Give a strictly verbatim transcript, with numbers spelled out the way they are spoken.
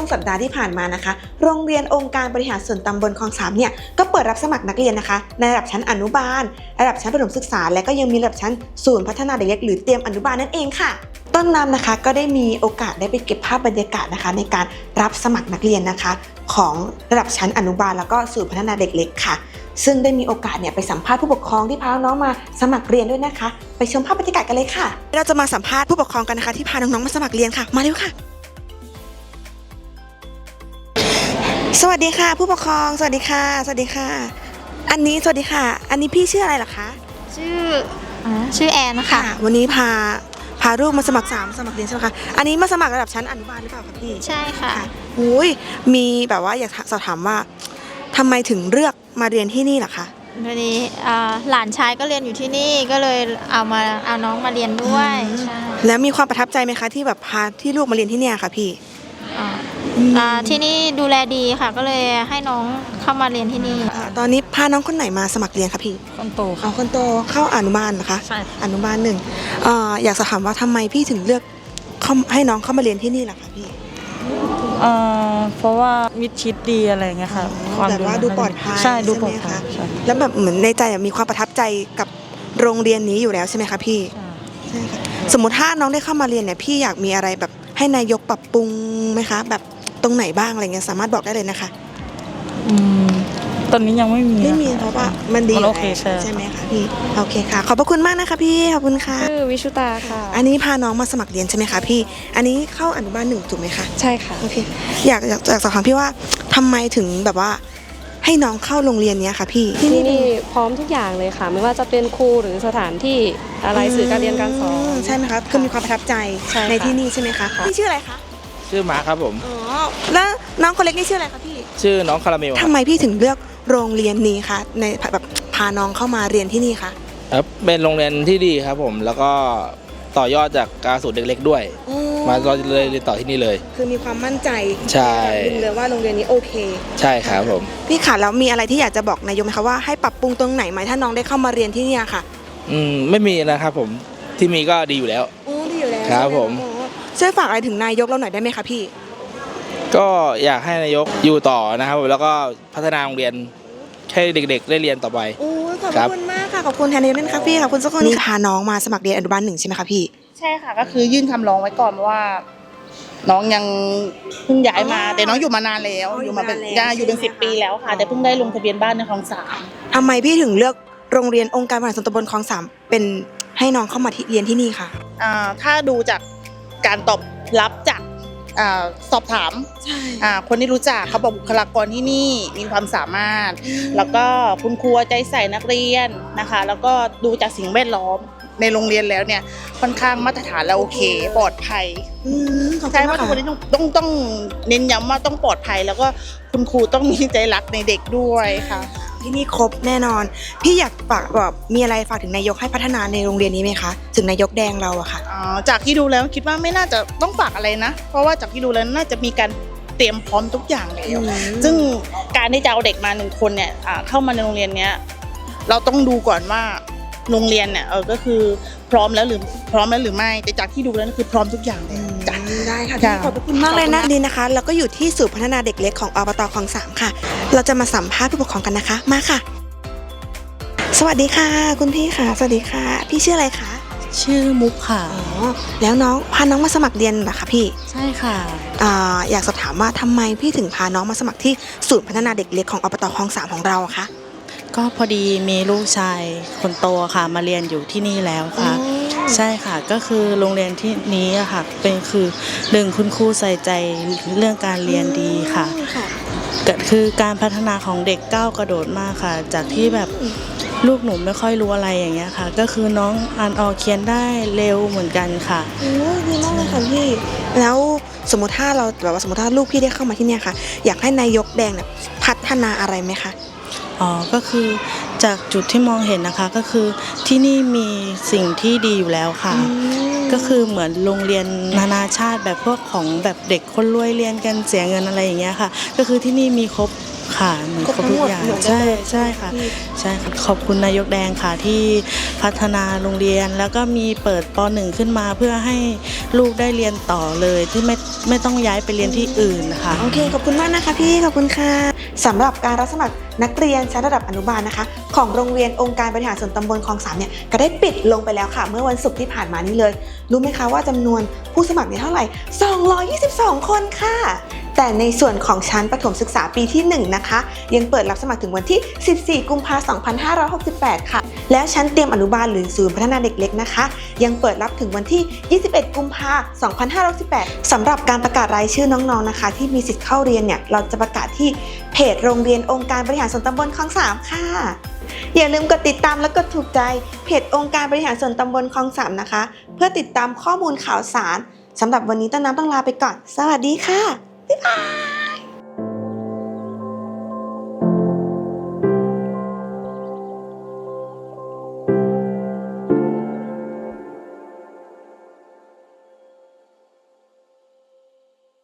สัปดาห์ที่ผ่านมานะคะโรงเรียนองค์การบริหารส่วนตำบลคลองสามเนี่ยก็เปิดรับสมัครนักเรียนนะคะในระดับชั้นอนุบาลระดับชั้นประถมศึกษาและก็ยังมีระดับชั้นศูนย์พัฒนาเด็กเล็กหรือเตรียมอนุบาลนั่นเองค่ะต้นน้ำนะคะก็ได้มีโอกาสได้ไปเก็บภาพบรรยากาศนะคะในการรับสมัครนักเรียนนะคะของระดับชั้นอนุบาลแล้วก็ศูนย์พัฒนาเด็กเล็กค่ะซึ่งได้มีโอกาสเนี่ยไปสัมภาษณ์ผู้ปกครองที่พาน้องๆมาสมัครเรียนด้วยนะคะไปชมภาพบรรยากาศกันเลยค่ะเราจะมาสัมภาษณ์ผู้ปกครองกันนะคะที่พาน้องๆมาสมัครเรียนค่ะมาเร็วค่ะสวัสดีค่ะผู้ปกครองสวัสดีค่ะสวัสดีค่ะอันนี้สวัสดีค่ะอันนี้พี่ชื่ออะไรเหรอคะชื่อชื่อแอนค่ะวันนี้พาพาลูกมาสมัครสามสมัครเรียนใช่ไหมคะอันนี้มาสมัครระดับชั้นอนุบาลหรือเปล่าคะพี่ใช่ค่ะอุ้ยมีแบบว่าอยากสอบถามว่าทำไมถึงเลือกมาเรียนที่นี่ล่ะคะวันนี้หลานชายก็เรียนอยู่ที่นี่ก็เลยเอามาเอาน้องมาเรียนด้วยแล้วมีความประทับใจไหมคะที่แบบพาที่ลูกมาเรียนที่นี่ค่ะพี่ที่นี่ดูแลดีค่ะก็เลยให้น้องเข้ามาเรียนที่นี่ตอนนี้พาน้องคนไหนมาสมัครเรียนคะพี่คนโตเอาคนโตเข้าอนุบาลนะคะใช่อนุบาลหนึ่งอยากสอบถามว่าทำไมพี่ถึงเลือกให้น้องเข้ามาเรียนที่นี่ล่ะคะพี่เพราะว่ามิดชิดดีอะไรเงี้ยค่ะแบบว่าดูปลอดภัยใช่ดูปลอดภัยแล้วแบบเหมือนในใจมีความประทับใจกับโรงเรียนนี้อยู่แล้วใช่ไหมคะพี่ใช่ค่ะสมมติถ้าน้องได้เข้ามาเรียนเนี่ยพี่อยากมีอะไรแบบให้นายกปรับปรุงไหมคะแบบตรงไหนบ้างอะไรเงี้ยสามารถบอกได้เลยนะคะอืมตอนนี้ยังไม่มีไม่มีเพราะว่ามันดีโอเคใช่ใช่ไหมคะพี่โอเคค่ะขอบพระคุณมากนะคะพี่ขอบคุณค่ะชื่อวิชุตาค่ะอันนี้พาน้องมาสมัครเรียนใช่ไหมคะพี่อันนี้เข้าอนุบาลหนึ่งถูกไหมคะใช่ค่ะโอเคอยากอยากอยากสอบถามพี่ว่าทำไมถึงแบบว่าให้น้องเข้าโรงเรียนนี้ค่ะพี่ที่นี่พร้อมทุกอย่างเลยค่ะไม่ว่าจะเป็นครูหรือสถานที่อะไรสื่อการเรียนการสอนใช่ไหมคะคือมีความประทับใจในที่นี่ใช่ไหมคะพี่ชื่ออะไรคะชื่อมาร์คครับผมอ๋อแล้วน้องคนเล็กนี่ชื่ออะไรคะพี่ชื่อน้องคาราเมลทำไมพี่ถึงเลือกโรงเรียนนี้คะในแบบพาน้องเข้ามาเรียนที่นี่คะครับเป็นโรงเรียนที่ดีครับผมแล้วก็ต่อยอดจากการสูตรเด็กๆด้วยมาเลยเรียนต่อที่นี่เลยคือมีความมั่นใจใช่เลยว่าโรงเรียนนี้โอเคใช่ครับผมพี่ค่ะแล้วมีอะไรที่อยากจะบอกนายกไหมคะว่าให้ปรับปรุงตรงไหนไหมถ้าน้องได้เข้ามาเรียนที่นี่ค่ะอืมไม่มีนะครับผมที่มีก็ดีอยู่แล้วโอ้ดีอยู่แล้วครับผมช่วยฝากอะไรถึงนายกเราหน่อยได้ไหมคะพี่ก็อยากให้นายกอยู่ต่อนะครับแล้วก็พัฒนาโรงเรียนให้เด็กๆได้เรียนต่อไปโอ้ขอบคุณมากค่ะขอบคุณแทนนายกด้วยค่ะพี่ขอบคุณสักคนนี้พาน้องมาสมัครเรียนอนุบาลหนึ่งใช่ไหมคะพี่ใช่ค่ะก็คือยื่นคำร้องไว้ก่อนว่าน้องยังเพิ่งย้ายมาแต่น้องอยู่มานานแล้วอยู่มาเป็นอยู่เป็นสิบปีแล้วค่ะแต่เพิ่งได้ลงทะเบียนบ้านในคลองสามทำไมพี่ถึงเลือกโรงเรียนองค์การบริหารส่วนตำบลคลองสามเป็นให้น้องเข้ามาเรียนที่นี่ค่ะถ้าดูจากการตอบรับจากสอบถามคนที่รู้จักเขาบอกบุคลากรที่นี่มีความสามารถแล้วก็คุณครูใจใส่นักเรียนนะคะแล้วก็ดูจากสิ่งแวดล้อมในโรงเรียนแล้วเนี่ยค่อนข้างมาตรฐานแล้วโอเคปลอดภัยใช่ว่าทุกคนนี้ต้องต้องต้องเน้นย้ำว่าต้องปลอดภัยแล้วก็คุณครูต้องมีใจรักในเด็กด้วยค่ะที่นี่ครบแน่นอนพี่อยากฝากแบบมีอะไรฝากถึงนายกให้พัฒนาในโรงเรียนนี้ไหมคะถึงนายกแดงเราอะค่ะอ๋อจากที่ดูแล้วคิดว่าไม่น่าจะต้องฝากอะไรนะเพราะว่าจากที่ดูแล้วน่าจะมีการเตรียมพร้อมทุกอย่างแล้วซึ่งการที่จะเอาเด็กมาหนึ่งคนเนี่ยเข้ามาในโรงเรียนเนี้ยเราต้องดูก่อนว่าโรงเรียนเนี่ยเออก็คือพร้อมแล้วหรือพร้อมแล้วหรือไม่แต่จากที่ดูแล้วคือพร้อมทุกอย่างเลยจ้ะได้ค่ะขอบคุณมากเลยนะดีนะคะแล้วก็อยู่ที่ศูนย์พัฒนาเด็กเล็กของอบต.คลองสามค่ะเราจะมาสัมภาษณ์ผู้ปกครองกันนะคะมาค่ะสวัสดีค่ะคุณพี่ค่ะสวัสดีค่ะพี่ชื่ออะไรคะชื่อมุกค่ะอ๋อแล้วน้องพาน้องมาสมัครเรียนเหรอคะพี่ใช่ค่ะอ่าอยากสอบถามว่าทำไมพี่ถึงพาน้องมาสมัครที่ศูนย์พัฒนาเด็กเล็กของอบต.คลองสามของเราคะก็พอดีมีลูกชายคนโตค่ะมาเรียนอยู่ที่นี่แล้วค่ะใช่ค่ะก็คือโรงเรียนที่นี้อะค่ะเป็นคือหนึ่งคุณครูใส่ใจเรื่องการเรียนดีค่ะก็คือการพัฒนาของเด็กก้าวกระโดดมากค่ะจากที่แบบลูกหนูไม่ค่อยรู้อะไรอย่างเงี้ยค่ะก็คือน้องอ่านออกเขียนได้เร็วเหมือนกันค่ะโอ้ดีมากเลยค่ะพี่แล้วสมมติถ้าเราแบบว่าสมมติถ้าลูกพี่ได้เข้ามาที่เนี่ยค่ะอยากให้นายกแดงเนี่ยพัฒนาอะไรไหมคะอ๋อก็คือจากจุดที่มองเห็นนะคะก็คือที่นี่มีสิ่งที่ดีอยู่แล้วค่ะก็คือเหมือนโรงเรียนนานาชาติแบบพวกของแบบเด็กคนรวยเรียนกันเสียเงินอะไรอย่างเงี้ยค่ะก็คือที่นี่มีครบค่ะเหมือนครบทุกอย่างใช่ใช่ค่ะใช่ค่ะขอบคุณนายกแดงค่ะที่พัฒนาโรงเรียนแล้วก็มีเปิดป.หนึ่งขึ้นมาเพื่อให้ลูกได้เรียนต่อเลยที่ไม่ไม่ต้องย้ายไปเรียนที่อื่นนะคะโอเคขอบคุณมากนะคะพี่ขอบคุณค่ะสำหรับการรับสมัครนักเรียนชั้นระดับอนุบาลนะคะของโรงเรียนองค์การบริหารส่วนตำบลคลองสามเนี่ยก็ได้ปิดลงไปแล้วค่ะเมื่อวันศุกร์ที่ผ่านมานี้เลยรู้ไหมคะว่าจำนวนผู้สมัครเนี่ยเท่าไหร่สองร้อยยี่สิบสองคนค่ะแต่ในส่วนของชั้นประถมศึกษาปีที่หนึ่งนะคะยังเปิดรับสมัครถึงวันที่สิบสี่กุมภาพันธ์สองพันห้าร้อยหกสิบแปดค่ะแล้วชั้นเตรียมอนุบาลหรือศูนย์พัฒนาเด็กเล็กนะคะยังเปิดรับถึงวันที่ยี่สิบเอ็ดกุมภาพันธ์สองพันห้าร้อยสิบแปดสำหรับการประกาศรายชื่อน้องๆนะคะที่มีสิทธิ์เข้าเรียนเนี่ยเราจะประกาศที่เพจโรงเรียนองค์การบริหารส่วนตำบลคลองสามค่ะอย่าลืมกดติดตามและกดถูกใจเพจองค์การบริหารส่วนตำบลคลองสามนะคะเพื่อติดตามข้อมูลข่าวสารสำหรับวันนี้ต้นน้ำต้องลาไปก่อนสวัสดีค่ะบ๊ายบาย